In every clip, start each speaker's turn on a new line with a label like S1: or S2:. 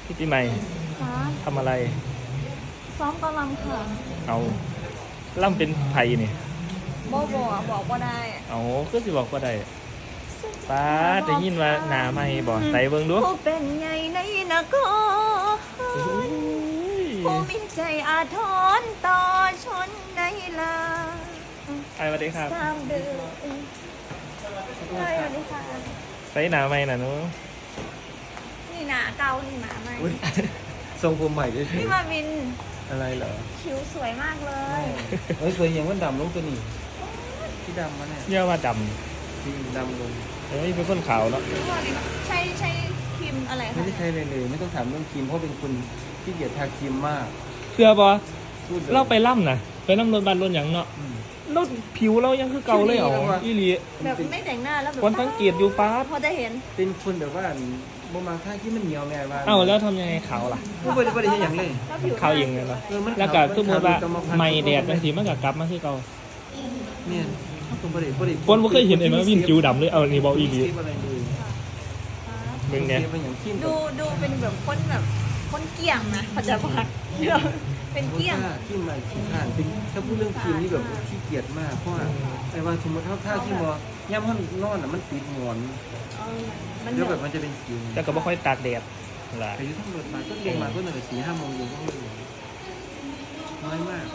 S1: พี่ปีใหม่
S2: ค่ะ
S1: ทำอะไร
S2: ซ้อมกำลังค่ะ
S1: เอาล่ำเป็นไผ่นี่
S2: บอกว่าได้
S1: เอาก็สิบอกว่าได้ป้าได้ยินว่าหนาไม่บอกใส่เบิ่งดู
S2: ผู้เป็นไงในนคร
S1: โอ้ย
S2: ผู้มีใจอาทรต่อชนในลา
S1: ไอ้สวัสดีครับ
S2: สามเดือนใช่สวัสดีค่ะ
S1: ใส่หนาไม่น่ะหนู
S2: นี่หนาเกานี่หมาไหม
S3: อุ๊ยทรงผมใหม่ด้วย
S2: พี่มาวิน
S3: อะไรเหรอ
S2: คิ้วสวยมากเลย
S3: เฮ้ยเคยเห็นว่าดำลงตัวนี้ที่ดำมาเนี่ย
S1: เยอะว่าด
S3: ที่ดำลง
S1: ำเฮ้ยเป็นคนขาวเนาะ
S2: พี่มาวินใช่ครีมอะไร
S3: ไม่
S2: คะ
S3: ได้ใช้เลยไม่ต้องถามเรื่องครีมเพราะเป็นคนที่เกียจทาครีมมาก
S1: เชื่อบอ
S3: พูดลย
S1: เราไปล่ำนะไปล่ำรถบันรถหยังเนาะ
S3: อืม
S1: รถผิวเรายังคือเก่าเลยเหรออีหลี
S2: แบบไม่แต่งหน้าแล้วแบบ
S1: คนสังเกตอยู่ป้า
S2: พอจะเห็น
S3: เป็นคนแบบว่าบ่มาท่าที่มันเหนียวแม่ว่า
S1: เอ้าแล้วทำยังไงขาวล่ะ
S3: ไม่ได้ใช้อย่างเลย
S2: แล้วผิว
S1: ขาวเองเลยเนาะ
S3: มัน
S1: แล้วก็คือมือว่า
S3: ขว
S1: ไม่แดดบางทีมันก็กลับมาคือเก่า
S3: เนี่ยผมบ่ได้
S1: คนบ่เคยเห็นไอ้มาวินผิวดำเลยเอานี่บอกอีหลี
S3: คลิปอะไรเลย
S1: เบิ่งเนี่ย
S3: คลิปเป็นอย่างครีม
S2: ดูเป็นแบบคนเกี่ยงนะเขาจะบอกเป็นเกี่ยง
S3: ครีมอะไรครีมผ่านเป็นถ้าพูดเรื่องครีมนี่แบบขี้เกียจมากเพราะว่าไอ้ว่าสมมติถ้าที่มอย่ำห้องนอนอ่ะมันติดหมอน
S2: มัน
S3: แล้ว
S2: แบ
S3: แบบ บมันจะเป็นคิว
S1: แต่ก็บ่ค่อยตากแดดล่ะ
S3: อายุทั้งหมดมาก็เรียนมาก็หนึ่ง4-5 โมงเย็นก็ไม่รู้น้อยมาก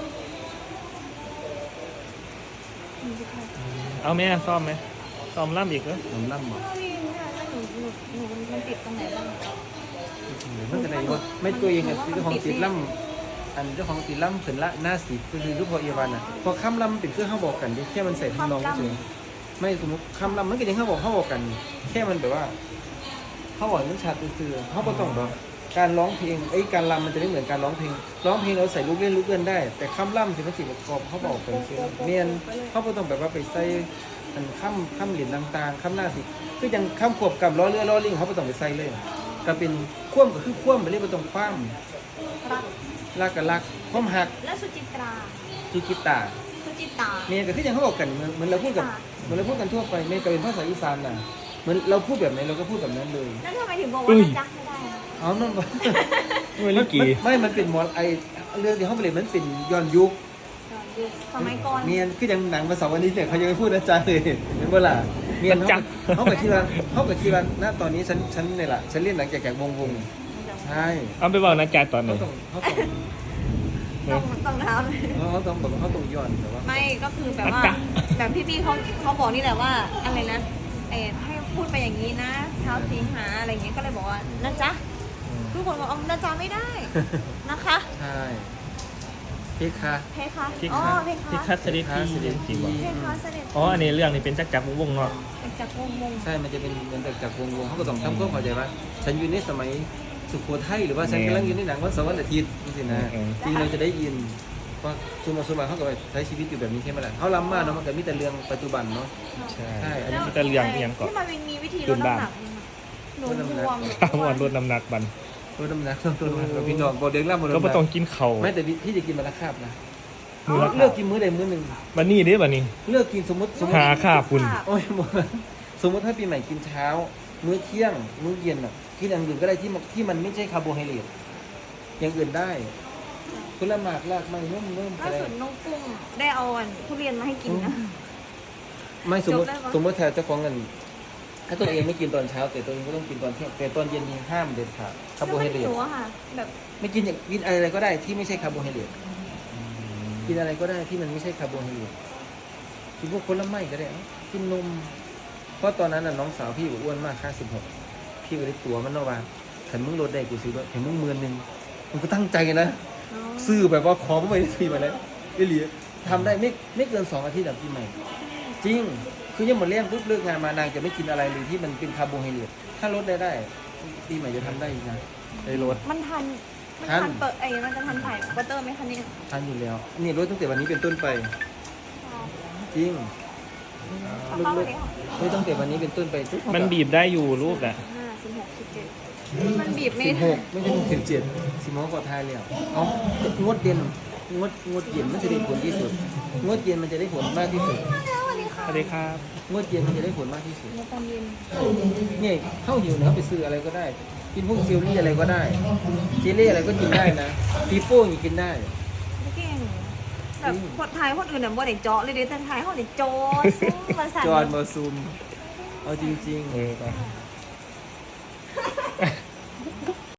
S1: เอาแม่ซ่อมไหมซ่อมล่ำอีกเหรอ
S3: ผมล่ำหมด
S2: พี่เนี่ยถ้าหนูมันติดตรงไหนบ้าง
S3: มันจะไหนวะไม่ตัวเองอ่ะเจ้าของติดล่ำอันเจ้าของติดล่ำขึ้นละหน้าสีก็คือลูกพอเอวันอ่ะพอค่ำล่ำเป็นเครื่องเขาบอกกันแค่มันใส่ทำนองเฉยไม่สมมติค่ำล่ำมันก็ยังเขาบอกกัน แค่มันแบบว่าเขาบอกมันชัดซื่อเขาก็ต้องแบบการร้องเพลงการรำมันจะไม่เหมือนการร้องเพลงเราใส่ลูกเล่นลูกเล่นได้ แต่ค่ำล่ำถึงมันสิประกอบเขาบอกเป็นเมียนเขาก็ต้องแบบว่าไปใส่อันค่ำเหรียญต่างๆค่ำหน้าสิคือยังค่ำขวบกับล้อเรือล้อลิงเขาก็ต้องไปใส่เลยก็เป็นคว่ำก็คือคว่ำไปเรื่อยไปตรงคว่ำ
S2: รัก
S3: รักกับรักความหัก
S2: และสุจิตรา
S3: สุกิตา
S2: สุจิตา
S3: เมียก็คือยังเขาบอกกันเหมือนเราพูดกับเหมือนเราพูดกันทั่วไปเมียก็เป็นภาษาอีสานน่ะเหมือนเราพูดแบบไหนเราก็พูดแบบนั้นเลย
S2: แล้วทำไมถึงบอกว่าจะจักไม่ได้
S3: อ๋อมัน
S1: เมื่อกี้
S3: ไม่มันเป็นเรื่องที่เขาไปเรียนมันเป็นย้อนยุค
S2: สมัยก่อน
S3: เมียนคือยังหนังมา2 วันนี้เนี่ยเขายังไม่พูดอาจารย์เลยเห็นเวลาเมียนเขากับที่วันณตอนนี้ฉันเนี่ยแหละฉันเล่นหนังแก่วงใช่
S1: เอาไปบอกนะจ๊ะตอนไหน
S2: ต้องทำ
S3: เขาต้องแบบเขาต้องย้อนแต่ว่า
S2: ไม่ก็คือแบบว่าแบบพี่เขาบอกนี่แหละว่าอะไรนะให้พูดไปอย่างนี้นะเท้าสีหาอะไรอย่างเงี้ยก็เลยบอกว่านะจ๊ะทุกคนบอกนะจ๊ะไม่ได้นะคะ
S3: ใช่พี่คะ
S2: เพคะ
S1: พี่
S2: อ๋อ
S1: คัส
S2: เพคะ
S1: พี่คัสเสด็จพี่จริงวะ
S2: เพคะเสด็จ
S1: อ๋ออันนี้เรื่องนี้เป็นจักรวงศ์เนาะ
S2: เป็นจากวง
S3: ใช่มันจะเป็นเหมือนจากวงเขาก็ต้องทำความเข้าใจว่าฉันอยู่ในสมัยสุโขทัยหรือว่าฉันกำลังอยู่ในหนังวันเสาร์วันอาทิตย์นี่สินะจริงเราจะได้ยินเพราะส่วนมากเขาก็ใช้ชีวิตอยู่แบบนี้ใช่ไหมล่ะเขาล้ำมากเนาะมันก็มีแต่เรื่องปัจจุบันเนาะ
S1: ใช่
S3: ใช่
S1: อันนี้จะเรื่องอีหยังก่อน
S2: ที่มาวินมีวิธีลดน้ำหนักหนูบวม
S1: ข้าววันลดน้ำหนักบัน
S3: ลดน้ำหนักพี่น้องบอกเด็กล่ำบอก
S1: ก็ไม่ต้องกินเข่าว
S3: ไม่แต่พี่จะกินมาละคาบนะ
S1: มื้อละ
S3: เลือกกินมื้อใดมื้อหนึ่ง
S1: บันนี้เด้บันนี้
S3: เลือกกินสมมติ
S1: หาค่าคุณ
S3: โอ้ยสมมติถ้าปีใหม่กินเช้า มื้อเที่ยงมื้อเย็นอ่ะกินอย่างอื่นก็ได้ที่มันไม่ใช่คาร์โบไฮเดรตอย่างอื่นได้ผลไม้รากไม้เริ่ม
S2: ล่าสุดน้องกุ้งได้เอาทุเรียนมาให้กินนะ
S3: ไม่สมมติ
S2: จบได้ปะ
S3: สมมติถ้าเจ้าของเงินถ้าตัวเองไม่กินตอนเช้า แต่ตัวเองก็ต้องกินตอนเที่ยงแต่ตอนเย็นนี่ห้ามเด็ดขาดคาร์โบไฮเดร
S2: ห
S3: ต
S2: นูอะค่ะแบบ
S3: ไม่กินอย่างกินอะไรก็ได้ที่ไม่ใช่คาร์โบไฮเดรตกินอะไรก็ได้ที่มันไม่ใช่คาร์โบไฮเดรตกินพวกผลไม้ก็ได้กินนมเพราะตอนนั้นน่ะน้องสาวพี่อ้วนมากค่า16พี่ก็ได้ตัวมันเนาะว่าขันมึงลดได้กูซื้อด้วยเห็นมึง10,000มึงก็ตั้งใจนะซื้อแบบว่าขอมาไม่ได้ทีมาแล้วไอ้เหลียทำได้ไม่เกิน2 อาทิตย์แบบพี่ใหม่ จริง คือยังหมดเลี้ยงปุ๊บเลิกงานมานางจะไม่กินอะไรเลยที่มันเป็นคาร์โบไฮเดรตถ้าลดได้ปีใหม่จะทำได้อีกนะได้ลด
S2: มันทันเปิดมันจะทันถ่ายบัตเตอร์ไหมคะเนี่ย
S3: ทานอยู่แล้วนี่ลดตั้งแต่วันนี้เป็นต้นไป จริงลดลดตั้งแต่วันนี้เป็นต้นไปทุก
S1: มันบีบได้อยู่รูปแหละ
S2: 16 17มันบีบไม่
S3: 16ไม่ใช่17สิบโมงกว่าทายแล้วเอางดเย็นงดเย็นมันจะได้ผลที่สุดงดเย็นมันจะได้ผลมากที่สุด
S2: แล้ววันนี้
S1: ส
S2: ค่ะ
S1: วัสดีครับ
S3: งดเย็นมันจะได้ผลมากที่สุด
S2: ในตอนเย็น
S3: เนี่ยเข้าหิวเนี่ยเขาไปซื้ออะไรก็ได้กินพวกซิลลี่อะไรก็ได้เจลลี่อะไรก็กินได้นะปีโป้ยังกินได้
S2: ไม่เก่งแบบคนไทยคนอื่นเนี่ยบ่ได้เจาะเลยเด้แต่ไทยเขาได้โจดซุ่มมาสั่น
S3: จอห์นมาซูมเอาจริง
S1: เออไป